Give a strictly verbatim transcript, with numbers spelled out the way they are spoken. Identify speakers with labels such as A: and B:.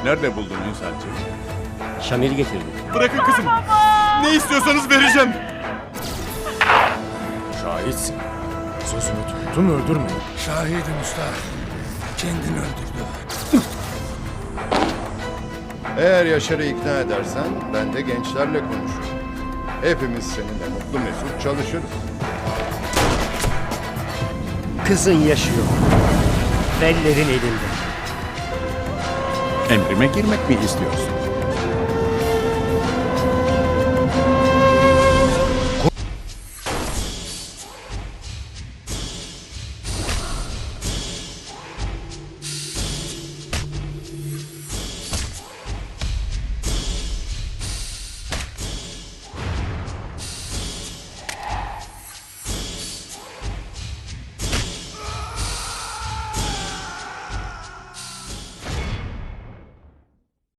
A: Nerede buldun insancı?
B: Şamil'i getirdim.
C: Bırakın kızım. Ne istiyorsanız vereceğim.
D: Şahitsin. Sözünü tuttun, öldürmedin.
E: Şahidim usta. Kendini öldürdü.
F: Eğer Yaşar'ı ikna edersen ben de gençlerle konuşurum. Hepimiz seninle mutlu mesut çalışırız.
B: Kızın yaşıyor. Vellerin elinde.
A: Emrime girmek mi istiyorsun?